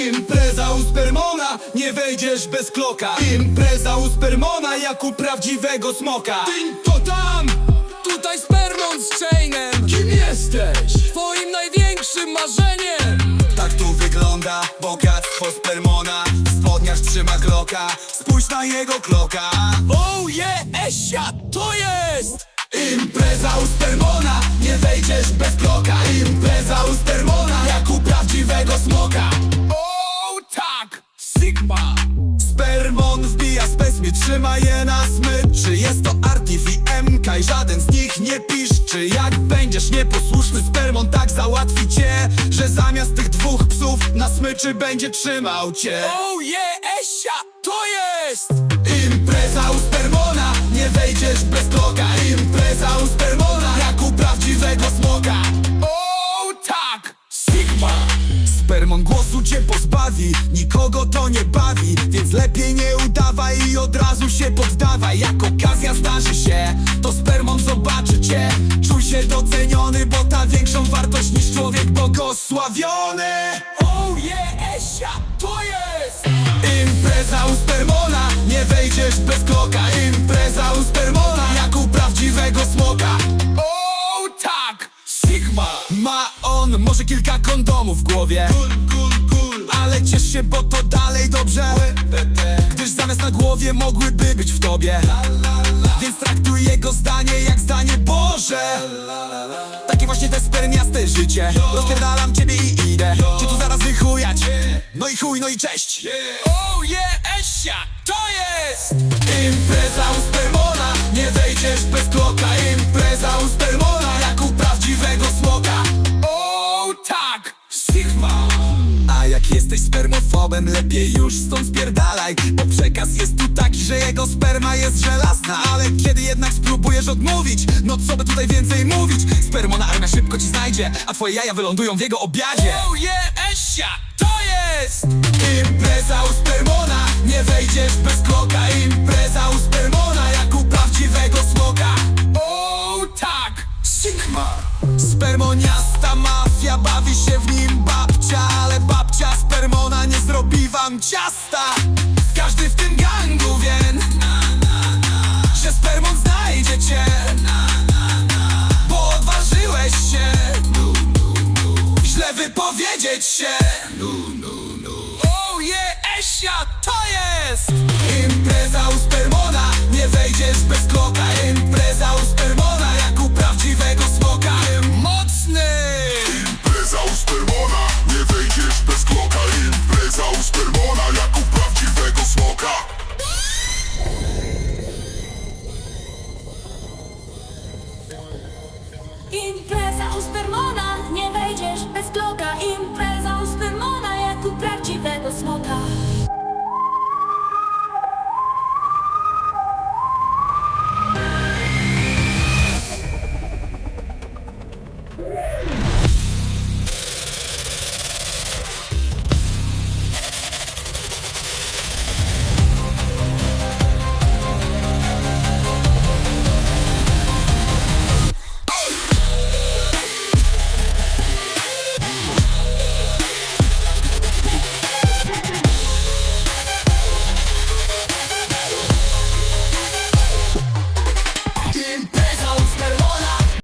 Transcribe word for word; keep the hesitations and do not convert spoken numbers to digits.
Impreza u Spermona, nie wejdziesz bez kloka. Impreza u Spermona, jak u prawdziwego smoka. Tyń to tam, tutaj Spermon z Chainem. Kim jesteś? Twoim największym marzeniem. Tak tu wygląda bogactwo Spermona. W spodniach trzyma Glocka, spójrz na jego kloka. Oh yeah, Esia, to jest! Impreza u Spermona, nie wejdziesz bez kloka. Impreza u Spermona, jak u prawdziwego smoka. Oh tak, Sigma. Spermon wbija spesmi, trzyma je na smyczy. Jest to Artif i M K i żaden z nich nie piszczy. Jak będziesz nieposłuszny, Spermon tak załatwi cię, że zamiast tych dwóch psów na smyczy będzie trzymał cię. Oh yeah, Esia, to jest! Impreza u Spermona, nie wejdziesz bez kloka. Impreza u Spermona, jak u prawdziwego smoka. Oh tak, Sigma. Spermon głosu cię pozbawi, nikogo to nie bawi, więc lepiej nie udawaj i od razu się poddawaj. Jak okazja zdarzy się, to Spermon zobaczy cię. Czuj się doceniony, bo ta większą wartość niż człowiek błogosławiony. Oh yeah, Esia, to jest! Impreza u Spermona, nie wejdziesz bez kloka. Impreza u Spermona, jak u prawdziwego smoka. Oh tak, Sigma. Ma on może kilka kondomów w głowie, ale ciesz się, bo to dalej dobrze, gdyż zamiast na głowie mogłyby być w tobie. Więc traktuj jego zdanie jak zdanie Boże. Takie właśnie te spermiaste życie. Rozpierdalam ciebie i idę cię tu zaraz wychujać. No i chuj, no i cześć. Oh yeah, Esia, to jest! Impreza u Spermona, nie wejdziesz bez kloka. Impreza u Spermona, jak u prawdziwego smoka. Oh tak, Sigma. A jak jesteś spermofobem, lepiej już stąd spierdalaj, bo przekaz jest tu taki, że jego sperma jest żelazna. Ale kiedy jednak spróbujesz odmówić, no co by tutaj więcej mówić? Spermona armia szybko ci znajdzie, a twoje jaja wylądują w jego obiadzie. Oh yeah, Esia, to jest! Impreza u Spermona, nie wejdziesz bez kloka. Impreza u Spermona, jak u prawdziwego smoka. Oh tak, Sigma. Spermoniasta mafia, bawi się w nim babcia, ale babcia Spermona nie zrobi wam ciasta. Każdy w tym gangu wie, że Spermon znajdzie cię, bo odważyłeś się źle wypowiedzieć się. oh yeah, Esia, to jest! Impreza u Spermona, nie wejdziesz bez kloka. Impreza u Spermona, jak u prawdziwego smoka. Mocny! Impreza u Spermona, nie wejdziesz bez kloka. Impreza u Spermona, jak u prawdziwego smoka. Impreza u Spermona, nie